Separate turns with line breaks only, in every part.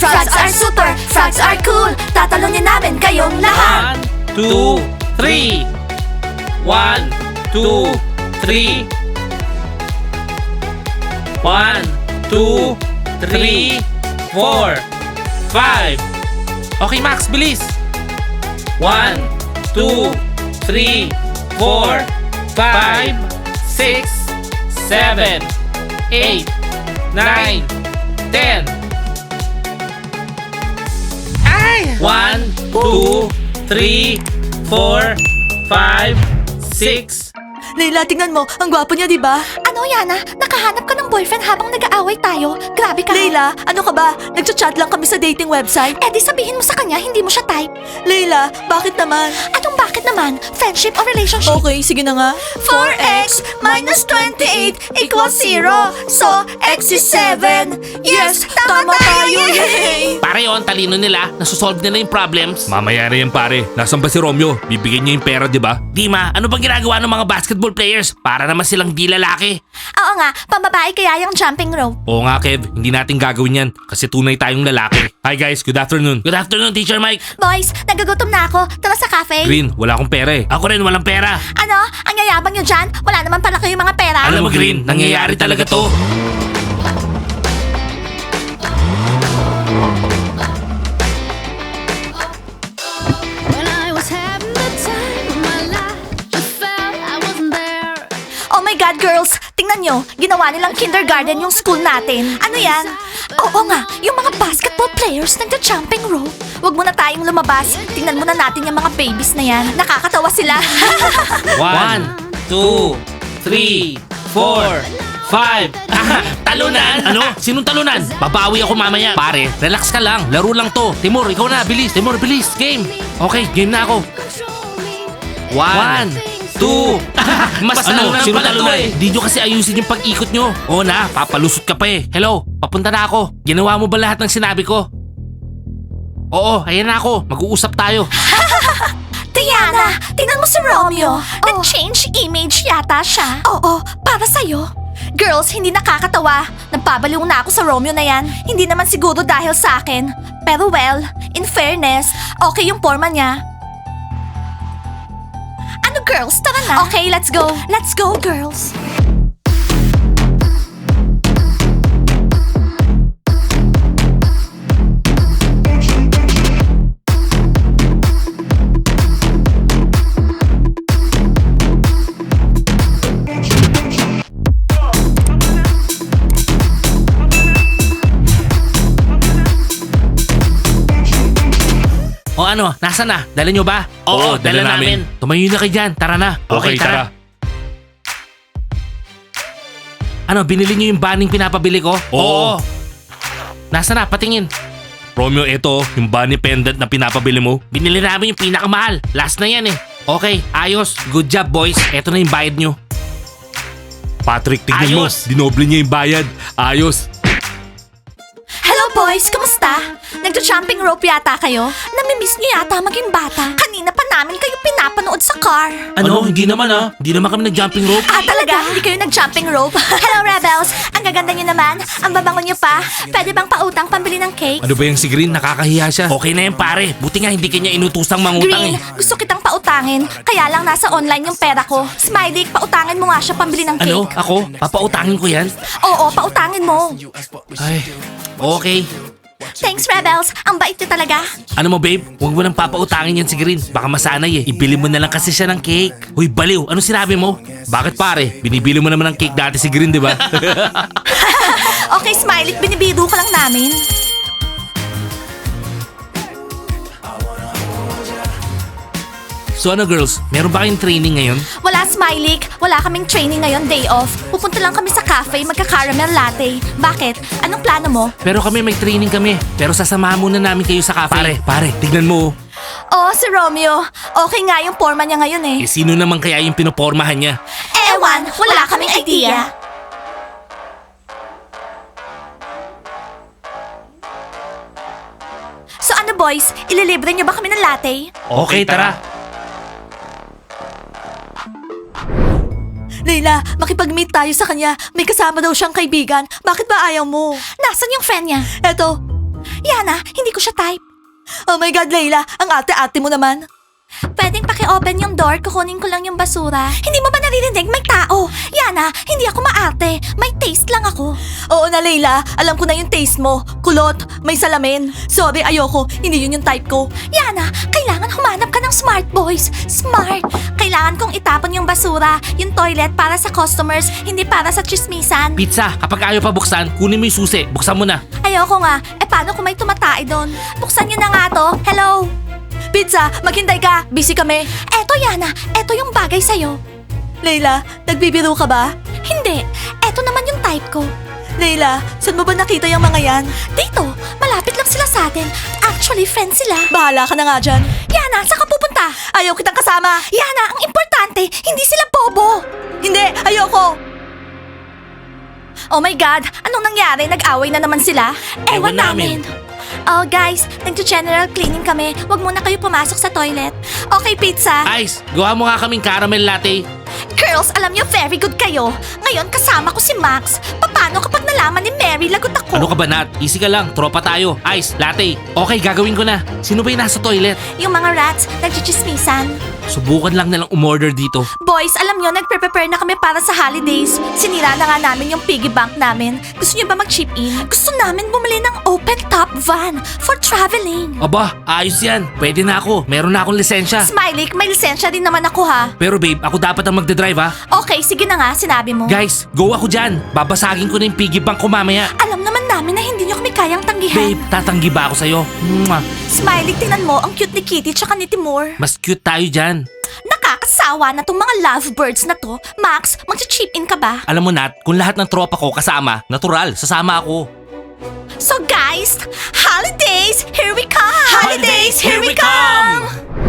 Frogs are super, frogs are cool. Tatalunin namin kayong lahat.
1, 2, 3. 1, 2, 3. 1, 2, 3, 4, 5. Okay, Max, bilis. 1, 2, 3, 4, 5, 6, 7, 8, 9, 10. Ay! 1, 2, 3, 4, 5, 6.
Leila, tingnan mo. Ang gwapo niya, di ba? Ano, Yana? Nakahanap ka ng boyfriend habang nag-aaway tayo? Grabe ka. Leila, ano ka ba? Nagchat-chat lang kami sa dating website. Eh di sabihin mo sa kanya, hindi mo siya type. Leila, bakit naman? Anong bakit naman? Friendship or relationship? Okay, sige na nga. 4x minus 28 equals 0. So, x is 7. Yes, tama tayo. Yay!
Pare yun, talino nila. Nasusolve nila yung problems.
Mamaya na yan pare. Nasaan ba si Romeo? Bibigyan niya yung pera, di ba?
Dima, ano bang ginagawa ng mga basketball players? Para naman silang di lalaki.
Oo nga, pambabae kaya yung jumping rope.
Oo nga Kev, hindi natin gagawin yan. Kasi tunay tayong lalaki. Hi guys, good afternoon.
Good afternoon, Teacher Mike.
Boys, nagagutom na ako. Tara sa cafe.
Green, wala akong pera eh.
Ako rin, walang pera.
Ano? Ang yayabang nyo dyan? Wala naman pala kayong mga pera.
Alam mo, Green, nangyayari talaga to.
When I was having the time of my life, just felt I wasn't there.
Oh my God, girls! Tingnan nyo, ginawa nilang kindergarten yung school natin. Ano yan? Oo nga, yung mga basketball players nagja-jumping rope. Huwag muna tayong lumabas. Tingnan muna natin yung mga babies na yan. Nakakatawa sila.
1, 2, 3, 4, 5. Talunan! Ano? Sinong talunan? Babawi ako mamaya. Pare, relax ka lang. Laro lang to. Timur, ikaw na. Bilis. Timur, bilis. Game. Okay, game na ako.
Control me.
1, 2. Mas ano, sino talunan? Di nyo kasi ayusin yung pag-ikot nyo. Oo na, papalusot ka pa eh. Hello, papunta na ako. Ginawa mo ba lahat ng sinabi ko? Oo, ayan na ako. Mag-uusap tayo.
Diana, tingnan mo si Romeo. Nag-change image yata siya. Oo, para sa'yo. Girls, hindi nakakatawa. Nagpabaliw na ako sa Romeo na yan. Hindi naman siguro dahil sa akin. Pero well, in fairness, okay yung forma niya. Ano girls, tara na. Okay, let's go. Let's go, girls.
O ano, nasa na? Dala nyo ba?
Oo, dala namin.
Tumayo na kayo dyan. Tara na.
Okay, tara.
Ano, binili nyo yung banning pinapabili ko?
Oo.
Nasa na? Patingin.
Romeo, ito, yung bunny pendant na pinapabili mo.
Binili namin yung pinakamahal. Last na yan eh. Okay, ayos. Good job boys. Eto na yung bayad nyo.
Patrick, tignan mo.
Ayos.
Dinoble niya yung bayad. Ayos.
Hello boys, kumusta? Nagja-jumping rope yata kayo? Namimiss niyo yata maging bata. Kanina pa namin kayo pinapanood sa car.
Ano? Hindi naman ah. Hindi naman kami nag-jumping rope.
Ah, talaga? Hindi kayo nag-jumping rope? Hello, Rebels! Ang gaganda niyo naman. Ang babango niyo pa. Pwede bang pautang pambili ng cake?
Ano ba yung si Green? Nakakahiya siya.
Okay na yan pare. Buti nga hindi kanya inutusang mangutang
Green,
eh.
gusto kitang pautangin. Kaya lang nasa online yung pera ko. Smiley, pautangin mo nga siya pambili ng cake.
Ano? Ako? Papautangin ko yan?
Oo, pautangin mo.
Ay, okay.
Thanks, Rebels. Ang bait niyo talaga.
Ano mo babe? Huwag mo nang papautangin yan si Green. Baka masanay eh. Ibili mo na lang kasi siya ng cake. Hoy baliw, ano sinabi mo?
Bakit pare? Binibili mo naman ng cake dati si Green, di ba?
Okay, Smiley, binibiro ka lang namin.
So ano girls, meron ba kayong training ngayon?
Wala, Smiley. Wala kaming training ngayon, day off. Pupunta lang kami sa cafe, magka-caramel latte. Bakit? Anong plano mo?
Pero kami may training kami. Pero sasamahan muna namin kayo sa cafe.
Pare, tignan mo.
Oh, si Romeo. Okay nga yung forma niya ngayon eh.
Eh sino naman kaya yung pinopormahan niya?
Ewan, wala kaming idea. So ano boys, ililibre niyo ba kami ng latte?
Okay, tara.
Leila, makipag-meet tayo sa kanya. May kasama daw siyang kaibigan. Bakit ba ayaw mo? Nasaan yung friend niya? Eto. Yana, hindi ko siya type. Oh my God, Layla, ang ate-ate mo naman. Pwedeng paki-open yung door, kukunin ko lang yung basura. Hindi mo ba naririnig? May tao. Yana, hindi ako maarte. May taste lang ako. Oo na, Layla. Alam ko na yung taste mo. Kulot, may salamin. Sorry, ayoko. Hindi yun yung type ko. Yana, kailangan humanap ka ng smart boys. Smart. Kailangan kong itapon yung basura, yung toilet para sa customers, hindi para sa chismisan.
Pizza, kapag ayaw pa buksan, kunin mo yung susi. Buksan mo na.
Ayoko nga. Paano kung may tumatay doon? Buksan niyo na nga to. Hello? Pizza, maghintay ka. Busy kami. Eto, Yana. Eto yung bagay sa'yo. Layla, nagbibiro ka ba? Hindi. Eto naman yung type ko. Layla, saan mo ba nakita yung mga yan? Dito. Malapit lang sila sa atin. Actually, friends sila. Bahala ka na nga dyan. Yana, saan ka pupunta? Ayaw kitang kasama. Yana, ang importante, hindi sila bobo. Hindi, ayoko. Oh my God, anong nangyari? Nag-away na naman sila?
Ewan namin.
Oh guys, nagjo-general cleaning kami. Huwag muna kayo pumasok sa toilet. Okay, pizza.
Ice, gawa mo nga kaming caramel latte.
Girls, alam niyo very good kayo. Ngayon kasama ko si Max. Paano kapag nalaman ni Mary lagot ako?
Ano ka ba, Nat? Easy ka lang. Tropa tayo. Ice, latte. Okay, gagawin ko na. Sino ba yung nasa toilet?
Yung mga rats, nagchichismisan.
Subukan lang nilang umorder dito.
Boys, alam nyo, nagpre-prepare na kami para sa holidays. Sinira na nga namin yung piggy bank namin. Gusto nyo ba mag-chip in? Gusto namin bumili ng open top van for traveling.
Aba, ayos yan. Pwede na ako. Meron na akong lisensya.
Smiley, may lisensya din naman ako ha.
Pero babe, ako dapat ang magdadrive ha.
Okay, sige na nga, sinabi mo.
Guys, go ako dyan. Babasagin ko na yung piggy bank ko mamaya.
Alam naman namin na hindi nyo kami kayang tanggihan.
Babe, tatanggi ba ako sa'yo? Mwah.
Smiley, tingnan mo, ang cute ni Kitty tsaka ni Timur.
Mas cute tayo dyan.
Nakakasawa na tong mga lovebirds na to. Max, mag-chip in ka ba?
Alam mo Nat, kung lahat ng tropa ko kasama, natural, sasama ako.
So guys, holidays, here we come! Holidays, here we come!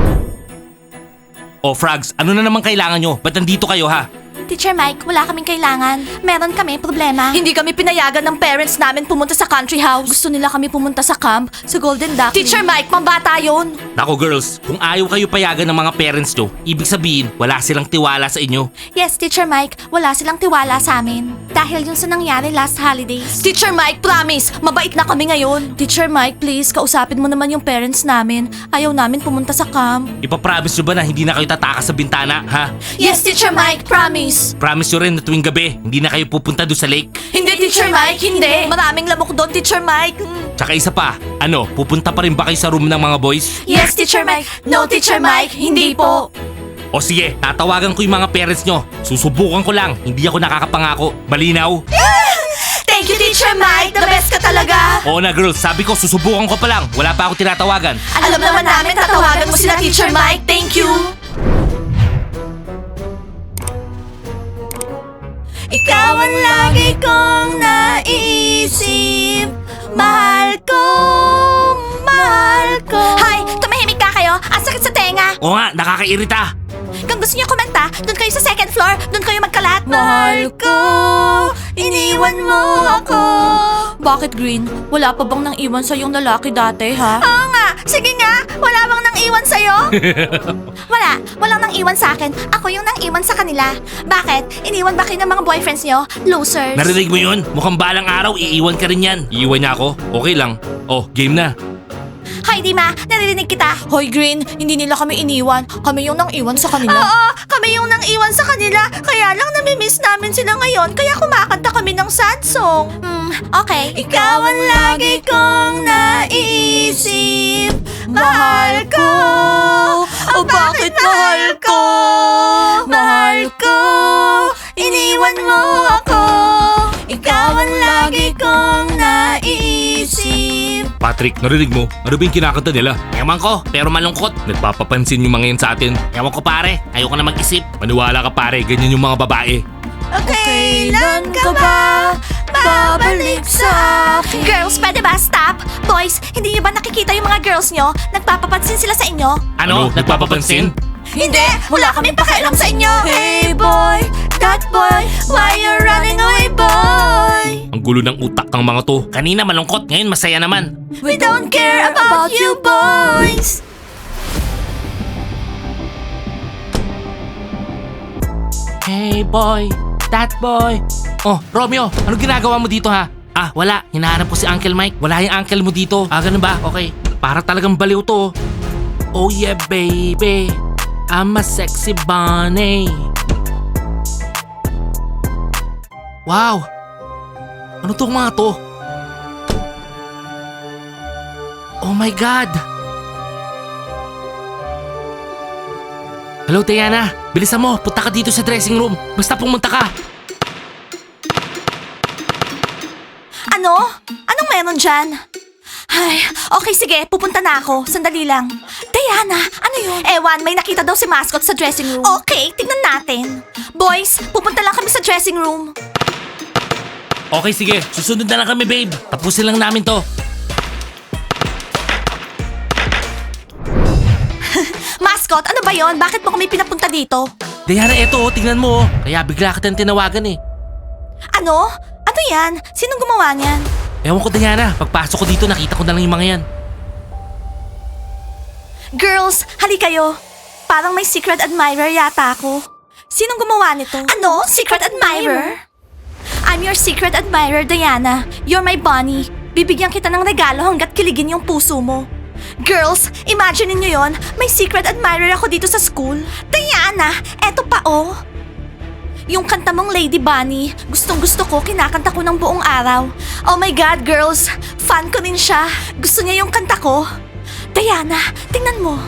Oh, Frogs, ano na naman kailangan nyo? Ba't nandito kayo ha?
Teacher Mike, wala kaming kailangan. Meron kami problema. Hindi kami pinayagan ng parents namin pumunta sa country house. Gusto nila kami pumunta sa camp, sa Golden Duck. Teacher Mike, pambata yun.
Nako girls, kung ayaw kayo payagan ng mga parents nyo, ibig sabihin, wala silang tiwala sa inyo.
Yes, Teacher Mike, wala silang tiwala sa amin. Dahil yun sa nangyari last holidays. Teacher Mike, promise, mabait na kami ngayon. Teacher Mike, please, kausapin mo naman yung parents namin. Ayaw namin pumunta sa camp.
Ipapromise nyo ba na hindi na kayo tatakas sa bintana, ha?
Yes, Teacher Mike, promise.
Promise nyo rin na tuwing gabi, hindi na kayo pupunta doon sa lake.
Hindi, Teacher Mike, hindi. Maraming lamok doon, Teacher Mike.
Tsaka isa pa, ano, pupunta pa rin ba kayo sa room ng mga boys?
Yes, Teacher Mike. No, Teacher Mike, hindi po.
O sige, tatawagan ko yung mga parents nyo. Susubukan ko lang, hindi ako nakakapangako. Malinaw?
Thank you, Teacher Mike. The best ka talaga.
Oo na girls, sabi ko susubukan ko pa lang. Wala pa ako tinatawagan.
Alam naman namin tatawagan mo sila, Teacher Mike. Thank you. Ikaw ang lagi kong naiisip. Mahal ko, mahal ko. Hay, tumahimik ka kayo. Ang sakit sa tenga.
Oo nga, nakakairita.
Kung gusto niyo kumanta, doon kayo sa second floor. Doon kayo magkalat. Mahal ko, iniwan mo ako. Bakit, Green? Wala pa bang nang iwan sa yung lalaki dati, ha? Oo nga. Sige nga. Wala bang nang iwan sa'yo? Wala. Walang nang iwan sa akin. Ako yung nang iwan sa kanila. Bakit? Iniwan ba kayo ng mga boyfriends niyo? Losers.
Narinig mo yun? Mukhang balang araw, iiwan ka rin yan. Iiwan niya ako? Okay lang. Oh, game na.
Hoy, Dima, naririnig kita. Hoy, Green, hindi nila kami iniwan. Kami yung nang iwan sa kanila. Oo, kami yung nang iwan sa kanila. Kaya lang namimiss namin sila ngayon. Kaya kumakanta kami ng sad song. Okay. Ikaw ang lagi kong naiisip. Mahal ko. Oh, bakit mahal ko? Mahal ko. Iniwan mo ako. Ikaw ang lagi kong naiisip.
Patrick, narinig mo? Ano ba yung kinakanta nila?
Ewan ko, pero malungkot.
Nagpapapansin yung mga yan sa atin.
Ewan ko pare, ayoko na mag-isip.
Maniwala ka pare, ganyan yung mga babae.
Kailan ka ba babalik sa akin? Girls, pwede ba? Stop! Boys, hindi niyo ba nakikita yung mga girls nyo? Nagpapapansin sila sa inyo?
Ano? Nagpapapansin?
Hindi! Wala kaming pakialam sa inyo! Hey boy, that boy, why you running away boy?
Ang gulo ng utak ng mga to.
Kanina malungkot, ngayon masaya naman.
We don't care about you boys!
Hey boy, that boy. Oh, Romeo, ano ginagawa mo dito ha? Ah, wala. Hinahanap ko si Uncle Mike. Wala yung uncle mo dito. Ah, ganun ba? Okay. Para talagang baliw to. Oh yeah, baby. I'm a sexy bunny. Wow. Ano tong mga to? Oh my God. Hello, Diana. Bilisan mo. Punta ka dito sa dressing room. Basta pumunta ka.
Ano? Anong meron dyan? Ay, okay sige, pupunta na ako. Sandali lang. Diana, ano yun? Ewan, may nakita daw si Mascot sa dressing room. Okay, tignan natin. Boys, pupunta lang kami sa dressing room.
Okay, sige. Susunod na lang kami, babe. Tapusin lang namin to.
Mascot, ano ba yon? Bakit mo kami pinapunta dito?
Diana, eto, tingnan mo. Kaya bigla kitang tinawagan eh.
Ano? Ano yan? Sinong gumawa niyan?
Ewan ko, Diana. Pagpasok ko dito, nakita ko na lang yung mga yan.
Girls, hali kayo. Parang may secret admirer yata ako. Sinong gumawa nito? Ano? Secret admirer? I'm your secret admirer, Diana. You're my bunny. Bibigyan kita ng regalo hanggat kiligin yung puso mo. Girls, imagine niyo yon. May secret admirer ako dito sa school. Diana, eto pa oh. Yung kanta mong Lady Bunny, gustong gusto ko, kinakanta ko ng buong araw. Oh my God, girls, fan ko din siya. Gusto niya yung kanta ko. Diana, tingnan mo.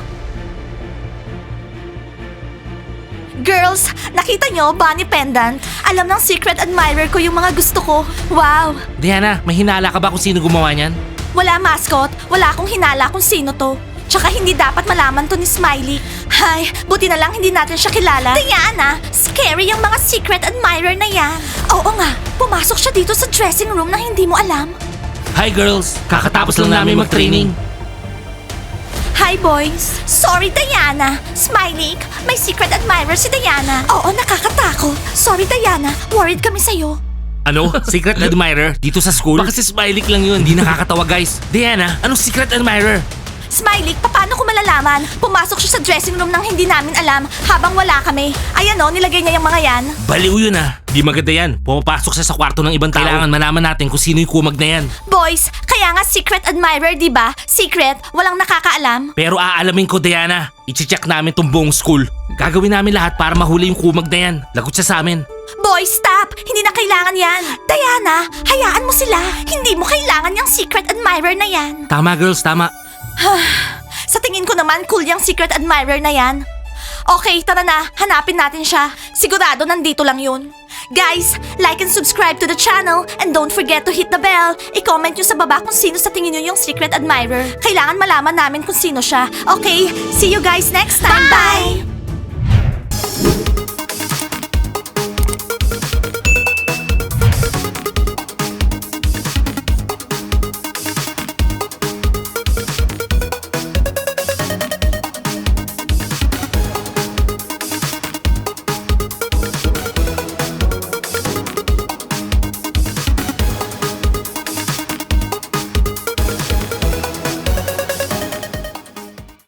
Girls, nakita nyo, bunny pendant. Alam ng secret admirer ko yung mga gusto ko. Wow!
Diana, may hinala ka ba kung sino gumawa niyan?
Wala, mascot. Wala akong hinala kung sino to. Tsaka hindi dapat malaman to ni Smiley. Hay, buti na lang hindi natin siya kilala. Diana, scary yung mga secret admirer na yan. Oo nga, pumasok siya dito sa dressing room na hindi mo alam.
Hi, girls. Kakatapos lang namin mag-training.
Hi, boys. Sorry, Diana. Smiley, may secret admirer si Diana. Oo, nakakatakot. Sorry, Diana. Worried kami sa'yo.
Ano? Secret admirer? Dito sa school? Baka si Smiley lang yun. Di nakakatawa, guys. Diana, anong secret admirer?
Smiley, paano ko malalaman? Pumasok siya sa dressing room nang hindi namin alam habang wala kami. Ayan o, nilagay niya yung mga yan.
Baliw yun ah. Di maganda yan. Pumapasok siya sa kwarto ng ibang tao. Kailangan malaman natin kung sino yung kumag na yan.
Boys, kaya nga secret admirer, di ba? Secret, walang nakakaalam.
Pero aalamin ko, Diana. I-check namin tong buong school. Gagawin namin lahat para mahuli yung kumag na yan. Lagot siya sa amin.
Boys, stop! Hindi na kailangan yan. Diana, hayaan mo sila. Hindi mo kailangan yung secret admirer na yan.
Tama, girls. Tama.
Sa tingin ko naman, cool yung secret admirer na yan. Okay, tara na. Hanapin natin siya. Sigurado nandito lang yun. Guys, like and subscribe to the channel and don't forget to hit the bell. I-comment nyo sa baba kung sino sa tingin nyo yung secret admirer. Kailangan malaman namin kung sino siya. Okay, see you guys next time. Bye!